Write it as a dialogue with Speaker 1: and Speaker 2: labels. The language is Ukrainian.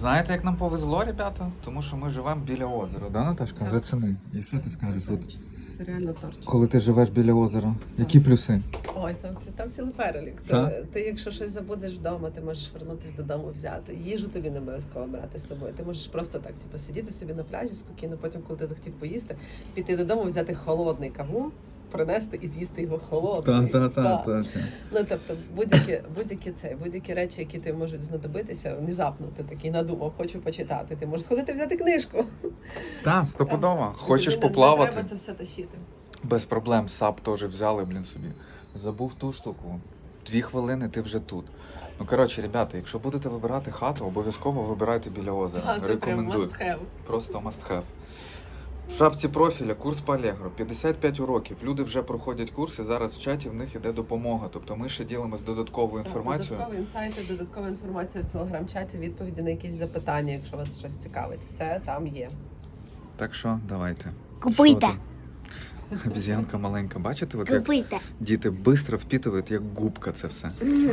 Speaker 1: Знаєте, як нам повезло, ребята? Тому що ми живемо біля озера, да, Наташка?
Speaker 2: Так.
Speaker 1: Заціни. І що ти скажеш? От,
Speaker 2: Це реально торч.
Speaker 1: коли ти живеш біля озера, які плюси?
Speaker 2: Ой, там цілий перелік.
Speaker 1: Так?
Speaker 2: Ти, якщо щось забудеш вдома, ти можеш вернутися додому взяти. Їжу тобі не обов'язково брати з собою. Ти можеш просто так, сидіти собі на пляжі спокійно, потім, коли ти захотів поїсти, піти додому, взяти холодний кавун, принести і з'їсти його холодний. Так. Ну, тобто, будь-які речі, які тобі можуть знадобитися, внезапно ти такий надумав, хочу почитати. Ти можеш сходити взяти книжку.
Speaker 1: Так, стопудово. Хочеш
Speaker 2: Тобі
Speaker 1: поплавати?
Speaker 2: Не треба це все тащити.
Speaker 1: Без проблем. САП теж взяли, собі. Забув ту штуку. 2 хвилини, ти вже тут. Ну, коротше, ребята, якщо будете вибирати хату, обов'язково вибирайте біля озера.
Speaker 2: Це прям
Speaker 1: Рекомендую.
Speaker 2: must have.
Speaker 1: Просто must have. В шапці профіля курс по Allegro. 55 уроків. Люди вже проходять курси, зараз в чаті в них іде допомога. Тобто ми ще ділимось додатковою інформацією.
Speaker 2: Додаткові інсайти, додаткова інформація в телеграм-чаті, відповіді на якісь запитання, якщо вас щось цікавить. Все там є.
Speaker 1: Так що, давайте.
Speaker 3: Купуйте.
Speaker 1: Що там? Обіз'янка маленька. Бачите, от як
Speaker 3: Купуйте.
Speaker 1: діти швидко впитують, як губка це все.